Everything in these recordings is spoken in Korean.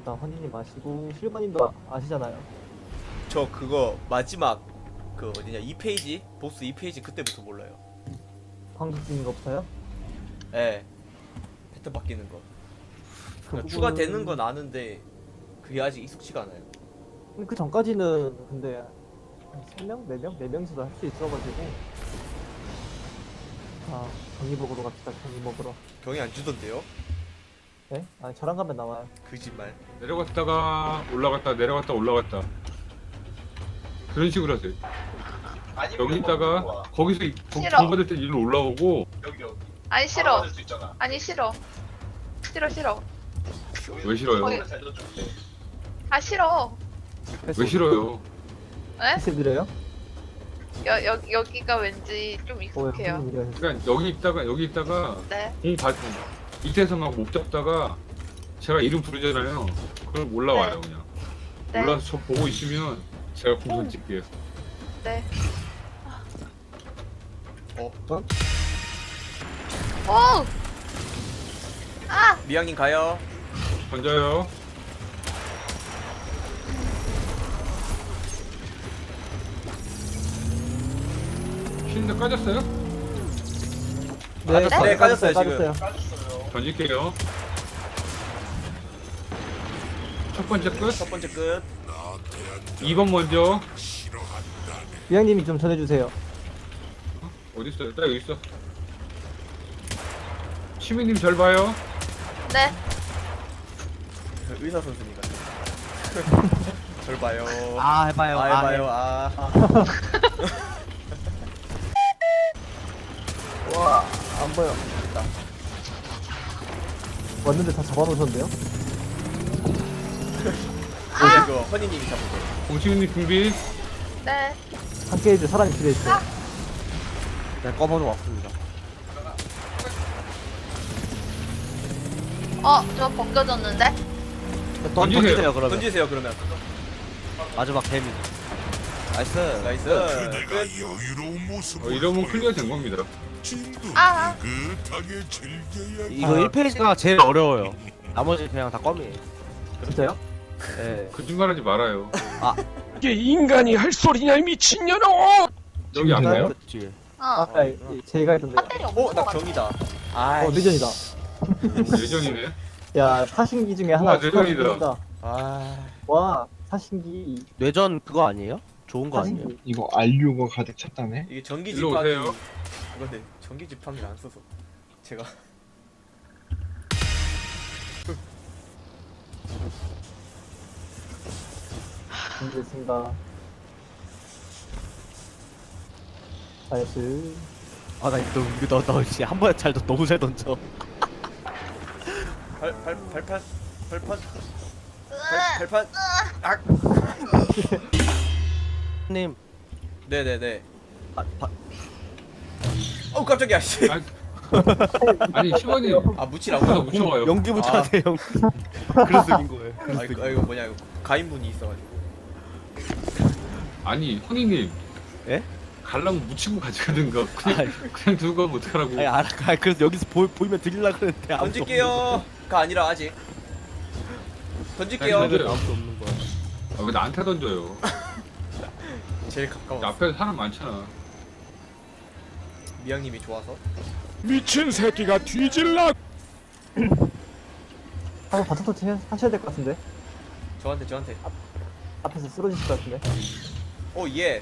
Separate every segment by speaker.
Speaker 1: 일단 헌니님 아시고 실버님도 아시잖아요.
Speaker 2: 저 그거 마지막 그 어디냐 2페이지 보스 2페이지 그때부터 몰라요.
Speaker 1: 방금 쓰는 거 없어요?
Speaker 2: 예. 패턴 바뀌는 거. 그러니까
Speaker 1: 부분은-
Speaker 2: 추가되는 건 아는데 그게 아직 익숙치가 않아요.
Speaker 1: 근데 그 전까지는 근데 한 3명? 4명? 4명이서도 할 수 있어가지고. 아, 경기 먹으러 갑시다. 경기 먹으러.
Speaker 2: 경이 안 주던데요?
Speaker 1: 네? 아니 저랑 가면 나와요.
Speaker 2: 거짓말.
Speaker 3: 내려갔다가 올라갔다 내려갔다 올라갔다 그런 식으로 하세요. 여기 있다가 거기서
Speaker 4: 싫어.
Speaker 3: 정 받을 때 일로 올라오고
Speaker 4: 아니 싫어. 아니 싫어. 싫어.
Speaker 3: 왜 싫어요?
Speaker 4: 거기- 아 싫어.
Speaker 3: 왜 싫어요?
Speaker 4: 에?
Speaker 1: 패스 드려요?
Speaker 4: 여기가 왠지 좀 익숙해요.
Speaker 1: 무슨 일이야?
Speaker 3: 그러니까 여기 있다가
Speaker 4: 네.
Speaker 3: 공 받고 밑에서 막 못 잡다가 제가 이름 부르잖아요. 그럼 올라와요 그냥.
Speaker 4: 네.
Speaker 3: 올라와서 저 보고 있으면 제가 공선 찍게요.
Speaker 4: 네.
Speaker 2: 어?
Speaker 4: 오! 아!
Speaker 2: 미양님 가요.
Speaker 3: 던져요. 쉬는데 까졌어요?
Speaker 1: 네,
Speaker 2: 네, 까졌어요,
Speaker 1: 까졌어요.
Speaker 3: 던질게요. 첫 번째 끝.
Speaker 2: 첫 번째 끝.
Speaker 3: 2번 먼저.
Speaker 1: 미양님이 좀 전해주세요.
Speaker 3: 어디 있어요? 딱 여기 있어. 시민님 절 봐요.
Speaker 4: 네.
Speaker 2: 의사 선생님 같아. 절 봐요.
Speaker 5: 아 해봐요.
Speaker 2: 아 해봐요. 아.
Speaker 1: 와, 안 보여. 됐다. 왔는데 다 잡아놓으셨는데요?
Speaker 2: 오늘 그 허니님이 잡은 거.
Speaker 3: 공시민님 준비.
Speaker 4: 네.
Speaker 1: 함께 해줄 사람이 필요했어요.
Speaker 5: 네, 꺼번호 왔습니다.
Speaker 4: 저 벗겨졌는데?
Speaker 5: 던지세요 그러면.
Speaker 2: 던지세요 그러면.
Speaker 5: 마지막 데미지. 나이스.
Speaker 2: 나이스. 끝.
Speaker 6: 여유로운 모습.
Speaker 3: 이러면 클리어 된 겁니다.
Speaker 4: 아!
Speaker 6: 느긋하게 즐겨야.
Speaker 5: 이거 1페이지가 제일 어려워요. 나머지 그냥 다 껌이에요.
Speaker 1: 진짜요?
Speaker 5: 예.
Speaker 3: 거짓말하지 말아요.
Speaker 7: 이게 인간이 할 소리냐 이 미친년아!
Speaker 3: 여기 안 가요?
Speaker 5: 뒤에.
Speaker 1: 아까 제가 했던데.
Speaker 4: 배터리 없는
Speaker 2: 어, 나
Speaker 4: 것 같아.
Speaker 2: 경이다. 아.
Speaker 1: 내전이다.
Speaker 3: 예전이네.
Speaker 1: 야, 사신기 중에 하나
Speaker 3: 우와, 내전이다.
Speaker 1: 축하드립니다.
Speaker 2: 아.
Speaker 1: 와, 사신기.
Speaker 5: 뇌전 그거 아니에요? 좋은 거 아니에요?
Speaker 1: 사신기.
Speaker 8: 이거 알류가 가득 찼다네.
Speaker 2: 이게 전기
Speaker 3: 일로
Speaker 2: 지팡이.
Speaker 3: 오세요.
Speaker 2: 그건데 전기 지팡이를 안 써서 제가
Speaker 1: 준비했습니다. 나이스.
Speaker 5: 아나 이거 너 진짜 한 번에 잘 너무 잘 던져.
Speaker 2: 발판 발판 악.
Speaker 5: 님.
Speaker 2: 네네네.
Speaker 5: 아,
Speaker 2: 어 깜짝이야 씨.
Speaker 3: 아니 시원이
Speaker 2: 아 묻히라고.
Speaker 3: 앞에서 묻혀봐요.
Speaker 5: 연기 붙여야 돼 연기. 그래서 이긴 거예요.
Speaker 2: 아 이거 뭐냐 이거 가인분이 있어가지고.
Speaker 3: 아니 허니님.
Speaker 5: 예?
Speaker 3: 갈라면 묻히고 가져가든가
Speaker 5: 아이.
Speaker 3: 그냥 두고 가면 어떡하라고.
Speaker 5: 아니 알아. 그래서 여기서 보이면 드리려 그랬는데 아무도
Speaker 2: 던질게요가 아니라 아직 던질게요.
Speaker 3: 아니, 던져요.
Speaker 5: 아무도 없는 거야.
Speaker 3: 아, 왜 나한테 던져요?
Speaker 2: 제일 가까워.
Speaker 3: 앞에 사람 많잖아.
Speaker 2: 미양님이 좋아서.
Speaker 7: 미친 새끼가 뒤질라!
Speaker 1: 한번 바짝 터치 하셔야 될 것 같은데.
Speaker 2: 저한테.
Speaker 1: 앞에서 쓰러지실 것 같은데.
Speaker 2: 오 예.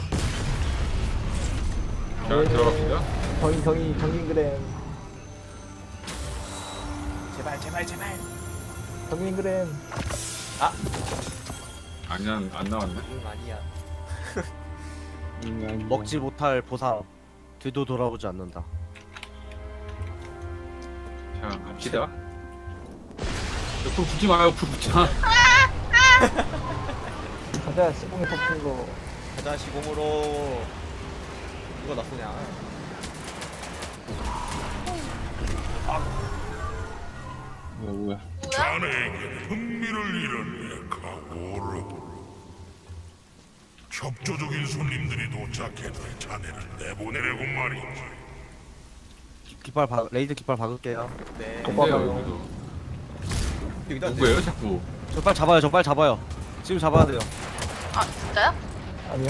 Speaker 3: 자 들어갑시다.
Speaker 1: 경인그램.
Speaker 2: 제발.
Speaker 1: 경인그램.
Speaker 3: 아니야 안 나왔네.
Speaker 2: 아니야.
Speaker 5: 먹지 못할 보상. 뒤도 돌아보지 않는다.
Speaker 3: 자 갑시다. 옆으로 붙지 마요. 옆으로 붙지 마.
Speaker 1: 가자, 시공이 뽑힌 거.
Speaker 2: 가자 시공으로. 누가 나 쏘냐.
Speaker 8: 뭐야?
Speaker 4: 뭐야?
Speaker 6: 자네에게 흥미를 잃었네, 가오르. 협조적인 손님들이 도착해도 자네를 내보내려고 말이지.
Speaker 5: 레이드 깃발 박을게요.
Speaker 2: 네.
Speaker 1: 오빠
Speaker 3: 근데요
Speaker 1: 봐요.
Speaker 3: 여기도.
Speaker 2: 여기다
Speaker 3: 누구예요 자꾸?
Speaker 5: 저 빨리 잡아요. 저 빨리 잡아요. 지금 잡아야 돼요.
Speaker 4: 아 진짜요?
Speaker 1: 아니요.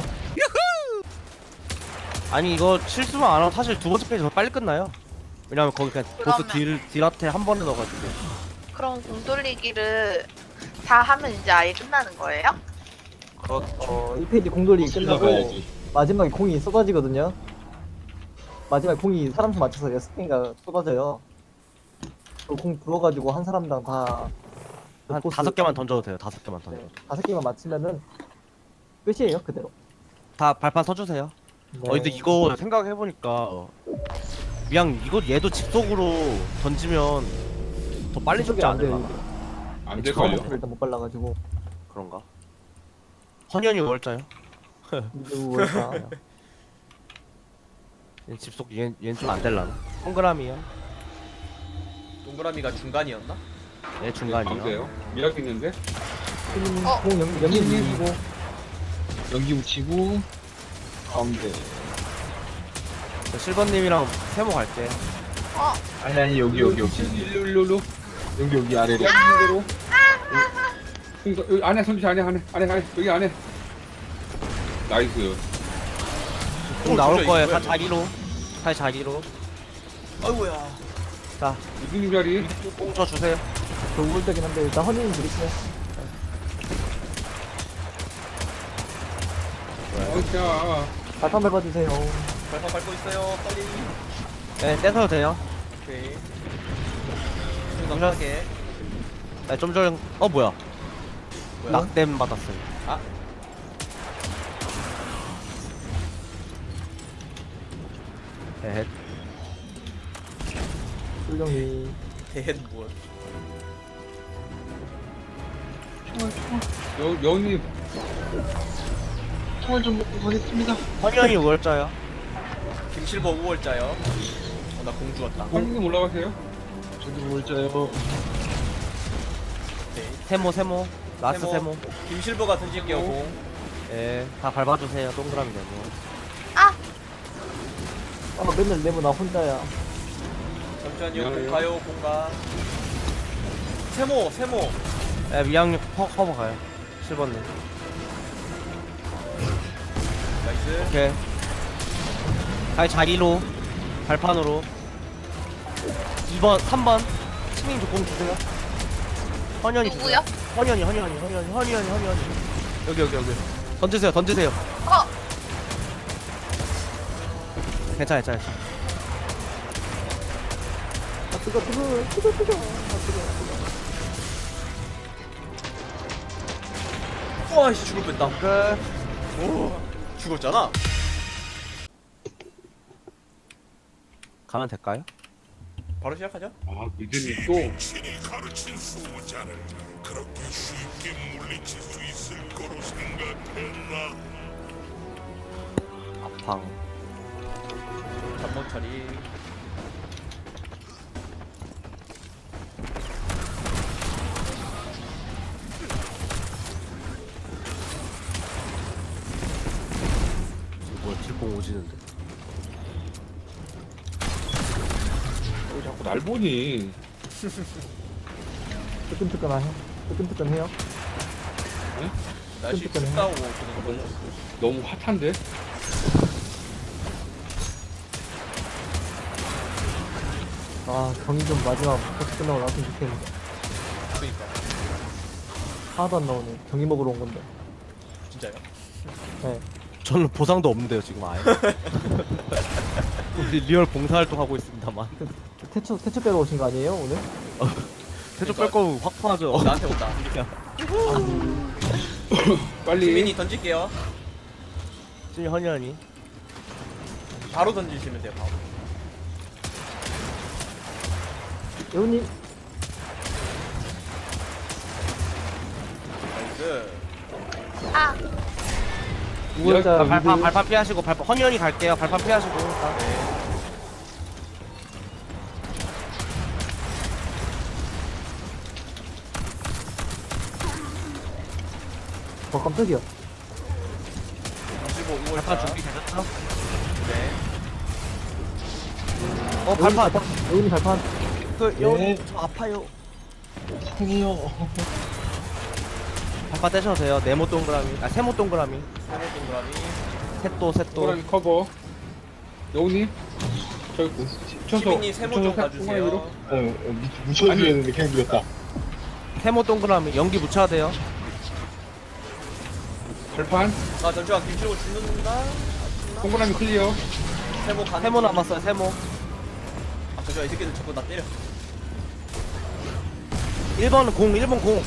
Speaker 5: 아니 이거 실수만 안 하면 사실 두 번째 페이지 더 빨리 끝나요. 왜냐면 거기 그냥 보스
Speaker 4: 그러면-
Speaker 5: 딜한테 한 번에 넣어가지고.
Speaker 4: 그럼 공 돌리기를 다 하면 이제 아예 끝나는 거예요?
Speaker 5: 그렇죠.
Speaker 1: 1페이지 공돌이
Speaker 8: 실러
Speaker 1: 끝나고
Speaker 8: 가야지.
Speaker 1: 마지막에 공이 쏟아지거든요. 마지막에 공이 사람 수 맞춰서 6개가 쏟아져요. 그 공 부어가지고 한 사람당 다
Speaker 5: 한
Speaker 1: 보스
Speaker 5: 5개만 던져도 돼요. 5개만 던져.
Speaker 1: 네, 5개만 맞히면은 끝이에요 그대로.
Speaker 5: 다 발판 서주세요.
Speaker 1: 네.
Speaker 5: 근데 이거 생각해보니까 그냥 이거 얘도 집속으로 던지면 더 빨리 죽지
Speaker 1: 안 돼요.
Speaker 5: 않을까?
Speaker 3: 안 될걸요?
Speaker 1: 처음부터 일단 못 발라가지고
Speaker 5: 그런가? 헌현이 월자요?
Speaker 1: 미드 월까.
Speaker 5: 얘 집속 얘는 좀 안 될라나? 동그라미요?
Speaker 2: 동그라미가 중간이었나?
Speaker 5: 얘 중간이요.
Speaker 3: 가운데요? 미약 있는데?
Speaker 4: 어?
Speaker 1: 공 연기 밀리고
Speaker 8: 연기 묻히고 가운데.
Speaker 5: 저 실버님이랑 세모 갈게.
Speaker 4: 어?
Speaker 8: 아니 여기
Speaker 3: 일로
Speaker 8: 여기 아래로.
Speaker 3: 대로 여기 안에 손짓 안에 여기 안에 나이스.
Speaker 5: 공 나올
Speaker 2: 진짜
Speaker 5: 거예요.
Speaker 2: 이거야,
Speaker 5: 다 자리로. 다 자리로.
Speaker 2: 아이고야.
Speaker 5: 자,
Speaker 3: 무슨 자리?
Speaker 5: 공 쳐 주세요.
Speaker 1: 저 우울되긴 한데 일단 허니님 드릴게요.
Speaker 3: 자
Speaker 1: 발판 밟아주세요.
Speaker 2: 발판 밟고 있어요. 빨리.
Speaker 5: 네, 떼서도 돼요.
Speaker 2: 오케이. 생각하게.
Speaker 5: 네, 좀 전, 뭐야.
Speaker 2: 뭐야?
Speaker 5: 낙댐 받았어요.
Speaker 2: 아.
Speaker 5: 네,
Speaker 1: 훌륭히
Speaker 2: 대hen 무엇?
Speaker 3: 여운님
Speaker 8: 총알 좀 먹고 가겠습니다.
Speaker 5: 헌현이 월자요.
Speaker 2: 김실버 5월자요. 나 공 주었다.
Speaker 3: 형님 올라가세요.
Speaker 8: 저도 몰자요.
Speaker 2: 오케이.
Speaker 5: 세모. 라스트 세모.
Speaker 2: 김실버가 던질게요 공.
Speaker 5: 예, 다 밟아주세요. 동그라미 되고.
Speaker 4: 아!
Speaker 1: 맨날 내모 나 혼자야.
Speaker 2: 잠시만요.
Speaker 3: 미안해요.
Speaker 2: 공 가요. 공가. 세모.
Speaker 5: 예, 미양육 커버 가요. 실버님.
Speaker 2: 나이스.
Speaker 5: 오케이. 다 자리로. 발판으로. 2번, 3번. 치민 조공 주세요. 헌현이 주세요.
Speaker 4: 누구요?
Speaker 5: 헌현이. 여기. 던지세요.
Speaker 4: 어?
Speaker 5: 괜찮아.
Speaker 1: 뜨거.
Speaker 2: 와씨 죽을 뻔했다.
Speaker 5: 끝.
Speaker 2: 오. 죽었잖아.
Speaker 5: 가면 될까요?
Speaker 2: 바로 시작하죠.
Speaker 3: 아 미드님 또
Speaker 6: 신이 가르친 수호자를 그렇게 쉽게 물리칠 수 있을 거로 생각했나?
Speaker 5: 아팡.
Speaker 2: 잠번 처리.
Speaker 5: 뭐야, 딜공 오지는데.
Speaker 3: 왜 자꾸 날 보니?
Speaker 1: 뜨끈뜨끈해요.
Speaker 2: 날씨
Speaker 1: 끔찍하네.
Speaker 2: 춥다고 그러는 걸로.
Speaker 3: 너무 핫한데?
Speaker 1: 아 경기 좀 마지막 버스 끝나고 나왔으면 좋겠는데.
Speaker 2: 그러니까.
Speaker 1: 하나도 안 나오네. 경기 먹으러 온 건데.
Speaker 2: 진짜요?
Speaker 1: 네.
Speaker 5: 저는 보상도 없는데요, 지금 아예. 우리 리얼 봉사활동 하고 있습니다만.
Speaker 1: 태초 빼러 오신 거 아니에요 오늘?
Speaker 5: 태조 뺄 거면 확보하죠.
Speaker 2: 나한테 온다.
Speaker 3: 빨리.
Speaker 2: 지민이 던질게요.
Speaker 5: 지금 헌현이.
Speaker 2: 바로 던지시면 돼요. 바로.
Speaker 1: 여우님
Speaker 2: 나이스.
Speaker 4: 아!
Speaker 1: 우월자
Speaker 5: 발판 피하시고, 헌현이 갈게요. 발판 피하시고.
Speaker 1: 깜짝이야.
Speaker 2: 25
Speaker 5: 발판
Speaker 2: 5월자.
Speaker 5: 준비되셨죠?
Speaker 2: 네.
Speaker 5: 발판.
Speaker 1: 여우님 발판.
Speaker 5: 그,
Speaker 8: 네.
Speaker 5: 저 아파요.
Speaker 8: 상해요.
Speaker 5: 발파 떼셔도 돼요. 네모 동그라미, 세모 동그라미,
Speaker 2: 세모 동그라미.
Speaker 5: 셋도.
Speaker 3: 동그라미 커버. 여우님 저기 붙여서
Speaker 2: 시민님 세모 좀 봐주세요.
Speaker 8: 묻혀줘야 되는데 그냥 밀었다.
Speaker 5: 세모 동그라미, 연기 묻혀야 돼요.
Speaker 3: 발판.
Speaker 2: 아 잠시만 김치로 죽는다.
Speaker 3: 동그라미 클리어.
Speaker 2: 세모 가는.
Speaker 5: 세모 남았어요. 세모.
Speaker 2: 아 잠시만 이 새끼들 자꾸 나 때려.
Speaker 5: 1번은 공, 1번 공.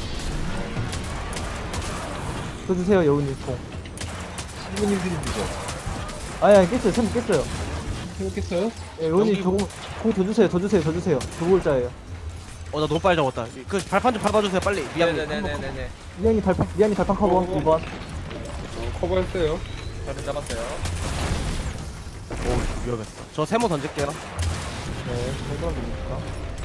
Speaker 1: 써주세요 여우님 공.
Speaker 8: 신부님 드리죠.
Speaker 1: 아야 깼어요. 세모 깼어요.
Speaker 8: 생각했어요?
Speaker 1: 예, 여우님
Speaker 5: 여기-
Speaker 1: 저공 더 주세요. 더 주세요. 더 주세요. 두 골자예요.
Speaker 5: 나 너무 빨리 잡았다. 그 발판 좀 밟아주세요, 빨리. 미안해.
Speaker 2: 네네네네네.
Speaker 1: 미안이 발판 커버 1번.
Speaker 3: 커버했어요.
Speaker 2: 저를 잡았어요.
Speaker 5: 오, 위험했어. 저 세모 던질게요.
Speaker 1: 네, 정도만 됩니까?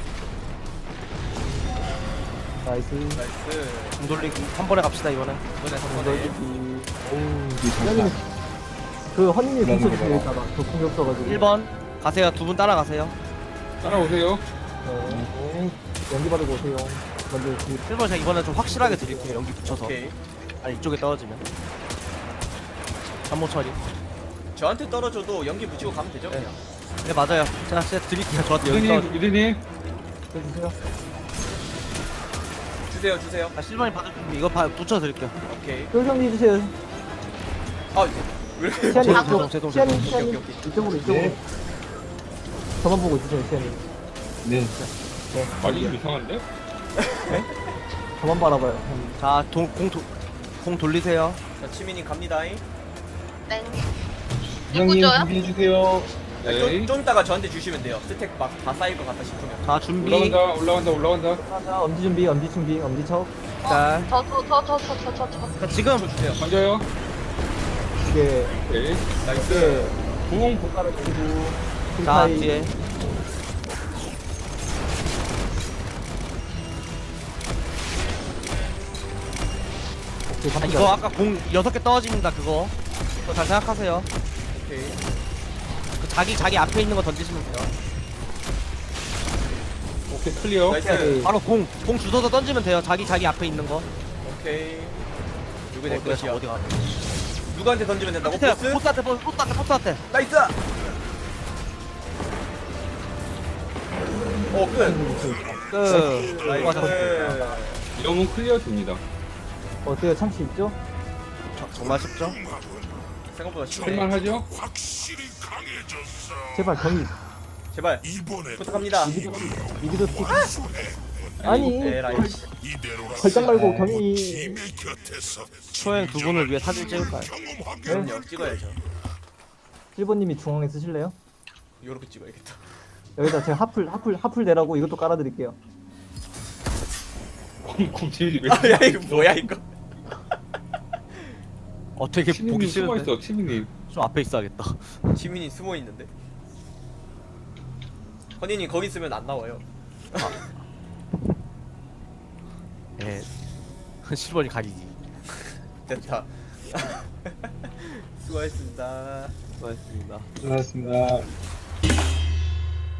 Speaker 1: 나이스.
Speaker 2: 나이스.
Speaker 5: 공 돌리기. 한 번에 갑시다, 이번에.
Speaker 2: 이번에 3번에.
Speaker 1: 미안이 그 허니님 공쳐 주세요. 이따가 저 공격 써가지고.
Speaker 5: 1번. 가세요. 두 분 따라가세요.
Speaker 3: 따라오세요.
Speaker 1: 네. 연기 받고 오세요. 먼저
Speaker 5: 1번 제가 이번에 좀 확실하게 드릴게요. 연기 붙여서.
Speaker 2: 오케이.
Speaker 5: 아니, 이쪽에 떨어지면. 잠못 처리.
Speaker 2: 저한테 떨어져도 연기 붙이고 가면 되죠 그냥.
Speaker 5: 네, 맞아요. 제가 진짜 드릴게요. 저한테 연기 떨어지.
Speaker 3: 유리님
Speaker 1: 해주세요.
Speaker 2: 주세요.
Speaker 5: 아, 실버님 받을 준비. 이거 붙여드릴게요.
Speaker 2: 오케이.
Speaker 1: 쫄정리 해주세요.
Speaker 2: 아 왜 이렇게
Speaker 1: 시안이
Speaker 5: 죄송,
Speaker 1: 이쪽.
Speaker 5: 죄송,
Speaker 1: 시안이
Speaker 5: 죄송.
Speaker 1: 시안이
Speaker 2: 오케이.
Speaker 1: 이쪽으로. 저만 보고 있으세요 시안이.
Speaker 8: 네.
Speaker 3: 말이 좀 이상한데?
Speaker 1: 저만 바라봐요.
Speaker 5: 자, 공 돌리세요.
Speaker 2: 자 치민님 갑니다잉.
Speaker 4: 땡.
Speaker 8: 이장님
Speaker 4: 누구죠요?
Speaker 8: 준비해주세요.
Speaker 3: 네.
Speaker 2: 좀 이따가 저한테 주시면 돼요. 스택 막 다 쌓일 것 같다 싶으면.
Speaker 5: 자, 준비.
Speaker 3: 올라간다.
Speaker 1: 하나 엄지 준비. 엄지 척.
Speaker 5: 자,
Speaker 4: 저.
Speaker 5: 자, 지금.
Speaker 2: 저 주세요.
Speaker 3: 던져요.
Speaker 1: 이게
Speaker 3: 오케이.
Speaker 2: 나이스.
Speaker 3: 부엉
Speaker 1: 손가락 그리고
Speaker 5: 자,
Speaker 1: 힐타임.
Speaker 5: 뒤에.
Speaker 1: 오케이,
Speaker 5: 아,
Speaker 1: 방금
Speaker 5: 이거 아까 공 6개 떨어집니다, 그거. 그거 잘 생각하세요.
Speaker 2: 오케이.
Speaker 5: 그 자기 앞에 있는 거 던지시면 돼요.
Speaker 3: 오케이 클리어.
Speaker 2: 나이스.
Speaker 5: 바로 공 주워서 던지면 돼요. 자기 앞에 있는 거.
Speaker 2: 오케이. 누구 내 것이야?
Speaker 5: 어디 가?
Speaker 2: 누구한테 던지면 된다고?
Speaker 5: 밑에
Speaker 2: 보스?
Speaker 5: 포스한테.
Speaker 2: 나이스. 오 끝. 나이스.
Speaker 3: 영웅 클리어 됩니다.
Speaker 1: 어때요? 참치 있죠?
Speaker 5: 정말 쉽죠?
Speaker 2: 생각보다 쉽네.
Speaker 3: 할만하죠?
Speaker 6: 확실히 강해졌어.
Speaker 1: 제발 경이
Speaker 2: 제발
Speaker 6: 이번에
Speaker 2: 부탁합니다.
Speaker 1: 미드도 스틱. 아니
Speaker 2: 에라이.
Speaker 6: 이대로
Speaker 1: 걸작 말고 경이.
Speaker 6: 팀의 곁에서
Speaker 5: 초행 두 분을 위해 사진 찍을까요?
Speaker 2: 그럼요. 찍어야죠.
Speaker 1: 1번님이 중앙에 쓰실래요?
Speaker 2: 요렇게 찍어야겠다.
Speaker 1: 여기다 제가 하풀 내라고 이것도 깔아드릴게요.
Speaker 3: 공지이 왜?
Speaker 2: 아, 야 이거 뭐야 이거?
Speaker 5: 되게 보기
Speaker 3: 치민님 숨어
Speaker 5: 싫은데.
Speaker 3: 있어. 치민님.
Speaker 5: 좀 앞에 있어야겠다.
Speaker 2: 지민이 숨어 있는데. 허니님 거기 있으면 안 나와요.
Speaker 5: 예. 10번이 가기기.
Speaker 2: 됐다. 수고하셨습니다.
Speaker 5: 수고하셨습니다.
Speaker 8: 수고하셨습니다.